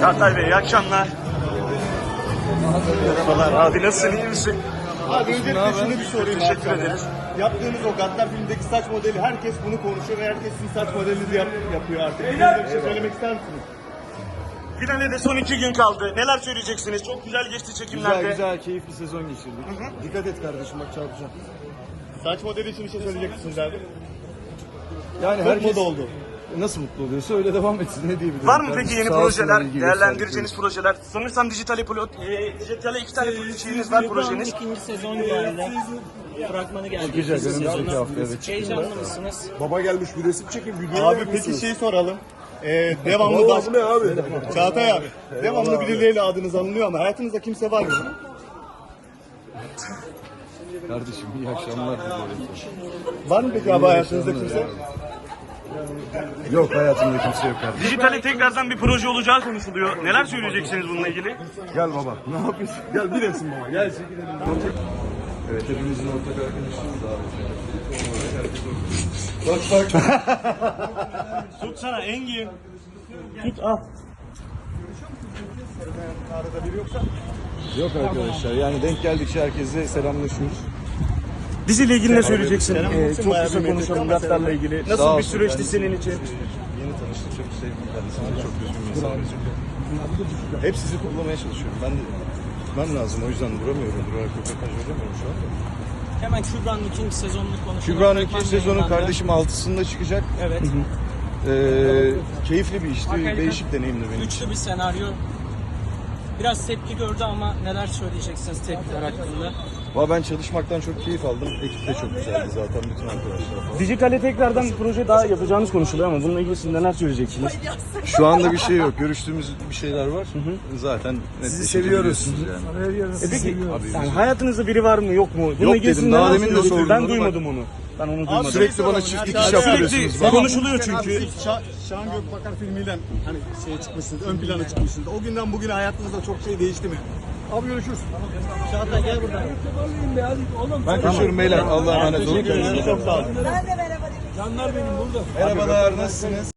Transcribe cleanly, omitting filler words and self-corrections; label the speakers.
Speaker 1: Çağatay Bey iyi akşamlar. Merhabalar abi, nasılsın, iyi misin?
Speaker 2: Abi öncelikle şunu bir sorayım.
Speaker 1: Teşekkür ederiz.
Speaker 2: Yaptığınız o Gaddar filmindeki saç modeli, herkes bunu konuşuyor ve herkes sizin saç modelinizi yapıyor artık. Size bir şey söylemek ister misiniz?
Speaker 1: Finale de son 2 gün kaldı. Neler söyleyeceksiniz? Çok güzel geçti çekimlerde.
Speaker 3: Güzel, keyifli sezon geçirdik. Dikkat et kardeşim, bak çarpacağım.
Speaker 2: Saç modeli için bir şey söyleyecek misiniz abi?
Speaker 3: Yani
Speaker 2: Çok
Speaker 3: herkes
Speaker 2: moda oldu.
Speaker 3: nasıl mutlu oluyorsa öyle devam etsin, ne diyebilirim.
Speaker 1: Var mı
Speaker 3: Kardeşim,
Speaker 1: peki yeni
Speaker 3: sağ olsunlar,
Speaker 1: projeler,
Speaker 3: ilgi
Speaker 1: değerlendireceğiniz projeler? Sanırsam dijitale 2 tane şeyiniz var, projeniz.
Speaker 4: İkinci sezon geldi. Fragmanı geldi.
Speaker 3: Çıkacak,
Speaker 4: İkinci
Speaker 3: önümüzdeki
Speaker 4: sezonu.
Speaker 3: hafta, evet.
Speaker 4: Heyecanlı mısınız?
Speaker 5: Baba gelmiş bir resim çekin video.
Speaker 2: Abi peki şeyi soralım. Devamlı
Speaker 5: Vallahi bu ne abi?
Speaker 2: Çağatay abi. Devamlı birileriyle adınız anılıyor ama hayatınızda kimse var mı?
Speaker 3: Kardeşim iyi akşamlar diliyorum.
Speaker 2: Var mı peki abi hayatınızda kimse?
Speaker 3: Yok, hayatımda kimse yok kardeşim.
Speaker 1: Dijitale tekrardan bir proje olacağı konuşuluyor. Neler söyleyeceksiniz bununla ilgili?
Speaker 3: Gel baba. Ne yapıyorsun?
Speaker 5: Gel bir resim baba gel çekilelim.
Speaker 3: Evet, hepimizin ortak arkadaşımız abi.
Speaker 1: Tutsana Engin. Tut al.
Speaker 2: Arada biri yoksa?
Speaker 3: Yok arkadaşlar, yani denk geldikçe herkesle selamlaşıyoruz.
Speaker 1: Diziyle ilgili ne söyleyeceksin?
Speaker 2: Selam
Speaker 1: Çok
Speaker 2: bayağı
Speaker 1: kısa
Speaker 2: bir
Speaker 1: konuşalım
Speaker 2: metre-
Speaker 1: Gattar'la ilgili.
Speaker 3: Sağ
Speaker 1: Nasıl bir
Speaker 3: olsun,
Speaker 1: süreçti
Speaker 3: ben-
Speaker 1: senin için?
Speaker 3: Yeni tanıştık, çok sevdim kendisini, çok düzgün bir insan gözüküyor. Hep sizi kullanmaya çalışıyorum. Ben de gitmem lazım, o yüzden duramıyorum. Durarak röportaj veremiyorum şu anda.
Speaker 4: Hemen Kübra'nın ikinci sezonunu konuşalım.
Speaker 3: Kübra'nın
Speaker 4: Fragman
Speaker 3: ikinci sezonu
Speaker 4: yayınlandı.
Speaker 3: kardeşim 6'sında çıkacak.
Speaker 4: Evet.
Speaker 3: Keyifli bir işti, değişik deneyimdi benim için.
Speaker 4: Üçlü bir senaryo. Biraz tepki gördü ama neler söyleyeceksiniz tepkiler hakkında?
Speaker 3: Valla ben çalışmaktan çok keyif aldım. Ekip de çok güzeldi zaten, bütün arkadaşlar.
Speaker 1: Dijitale tekrardan bir proje daha yapacağınız konuşuluyor ama bununla ilgili siz neler söyleyeceksiniz?
Speaker 3: Şu anda bir şey yok. Görüştüğümüz bir şeyler var. Zaten sizi seviyoruz. Yani.
Speaker 1: Peki yani hayatınızda biri var mı yok mu? Bununla
Speaker 3: Yok
Speaker 1: ilgili siz
Speaker 3: dedim, daha
Speaker 1: neler
Speaker 3: demin de
Speaker 1: söylüyorsunuz?
Speaker 3: sordum
Speaker 1: Ben
Speaker 3: onu,
Speaker 1: duymadım onu. Ben onu duymadım.
Speaker 3: Sürekli bana çiftlik iş
Speaker 1: Sürekli
Speaker 3: yaptırıyorsunuz. Bak.
Speaker 1: konuşuluyor çünkü.
Speaker 2: Şahan Gökbakar filmiyle hani çıkmışsınız, ön plana çıkmışsınız. O günden bugüne hayatınızda çok şey değişti mi? Abi görüşürüz.
Speaker 4: Çağatay gel buradan.
Speaker 3: Ben kaçıyorum beyler. Allah'a emanet olun.
Speaker 2: Teşekkür ederim. Çok sağ olun.
Speaker 6: Ben de merhaba demek istiyorum.
Speaker 3: Merhabalar, nasılsınız?